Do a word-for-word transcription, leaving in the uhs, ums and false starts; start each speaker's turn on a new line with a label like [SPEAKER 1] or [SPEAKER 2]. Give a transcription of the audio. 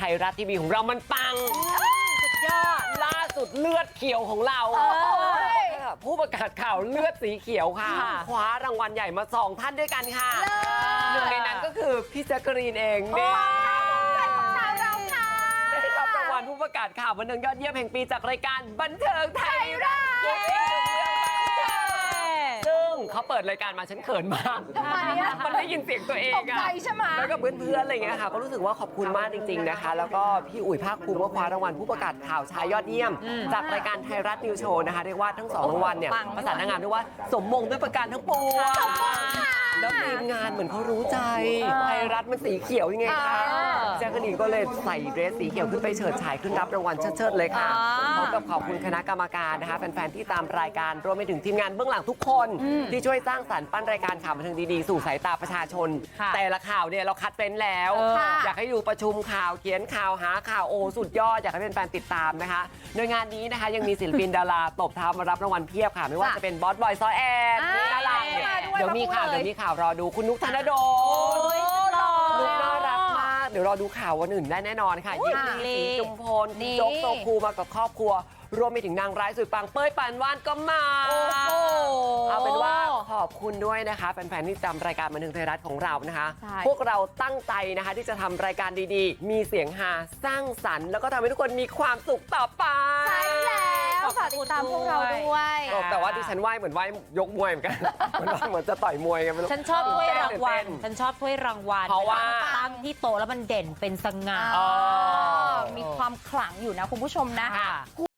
[SPEAKER 1] ไทยรัฐทีวีของเรามันปังสุดยอดล่าสุดเลือดเขียวของเราผู้ประกาศข่าวเลือดสีเขียวค่ะคว้ารางวัลใหญ่มาสองท่านด้วยกันค่ะหนึ่งในนั้นก็คือพี่แจ๊กกะรีนเองนี่ได้รับรางวัลผู้ประกาศข่าวบันเทิงยอดเยี่ยมแห่งปีจากรายการบันเทิงไทยรัฐซึ่งเขาเปิดรายการมาฉันเขินมากมันได้ยินเสียงตัวเองอะแล้วก็เพื่อนๆอะไรเงี้ยค่ะก็รู้สึกว่าขอบคุณมากจริงๆนะคะแล้วก็พี่อุ๋ยภาคภูมิก็คว้ารางวัลผู้ประกาศข่าวชายยอดเยี่ยมจากรายการไทยรัฐนิวโชว์นะคะเรียกว่าทั้งสองรางวัลเนี่ยประสานงานด้วยว่าสมมงด้วยประการทั้งปวงแล้วทีมงานเหมือนเขารู้ใจไทยรัฐมันสีเขียวยังไงคะแจ๊กกะรีนก็เลยใส่เดรสสีเขียวขึ้นไปเฉิดฉายขึ้นรับรางวัลเชิดๆเลยค่ะพร้อมกับขอบคุณคณะกรรมการนะคะแฟนๆที่ตามรายการรวมไปถึงทีมงานเบื้องหลังทุกคนที่ช่วยสร้างสรรค์ปั้นรายการข่าวบันเทิงดีๆสู่สายตาประชาชนแต่ละข่าวเนี่ยเราคัดเป็นแล้วอยากให้ดูประชุมข่าวเขียนข่าวหาข่าวโอสุดยอดอยากให้เป็นแฟนติดตามนะคะโดยงานนี้นะคะยังมีศิลปินดาราตบเท้ามารับรางวัลเพียบค่ะไม่ว่าจะเป็นบอสบอยซอแอนน่ารักเนี่ยเดี๋ยวมีข่าวเดี๋ยวมีข่าวรอดูคุณนุ๊กธนดลนุ๊กน่ารักมากเดี๋ยวรอดูข่าววันอื่นได้แน่นอนค่ะยินดีสีจุมพลคุณโจ๊กโซคูมากับครอบครัวรวมไปถึงนางร้ายสุดปังเป้ยปานวาดก็มาเอาเป็นว่าขอบคุณด้วยนะคะแฟนๆที่จำรายการบันเทิงไทยรัฐของเรานะคะพวกเราตั้งใจนะคะที่จะทำรายการดีๆมีเสียงฮาสร้างสรรค์แล้วก็ทำให้ทุกคนมีความสุขต่อไป
[SPEAKER 2] ใช่แล้วฝากติดตามพวกเราด้วย
[SPEAKER 1] แต่ว่าดิฉันไหวเหมือนไหวยกมวยเหมือนกันเหมือนจะต่อยมวยกัน
[SPEAKER 3] ฉันชอบถ้วยรางวัลฉันชอบถ้วยรางวัล
[SPEAKER 1] เพราะว่า
[SPEAKER 3] ตั้งที่โต๊ะแล้วมันเด่นเป็นสง่า
[SPEAKER 2] มีความขลังอยู่นะคุณผู้ชมนะ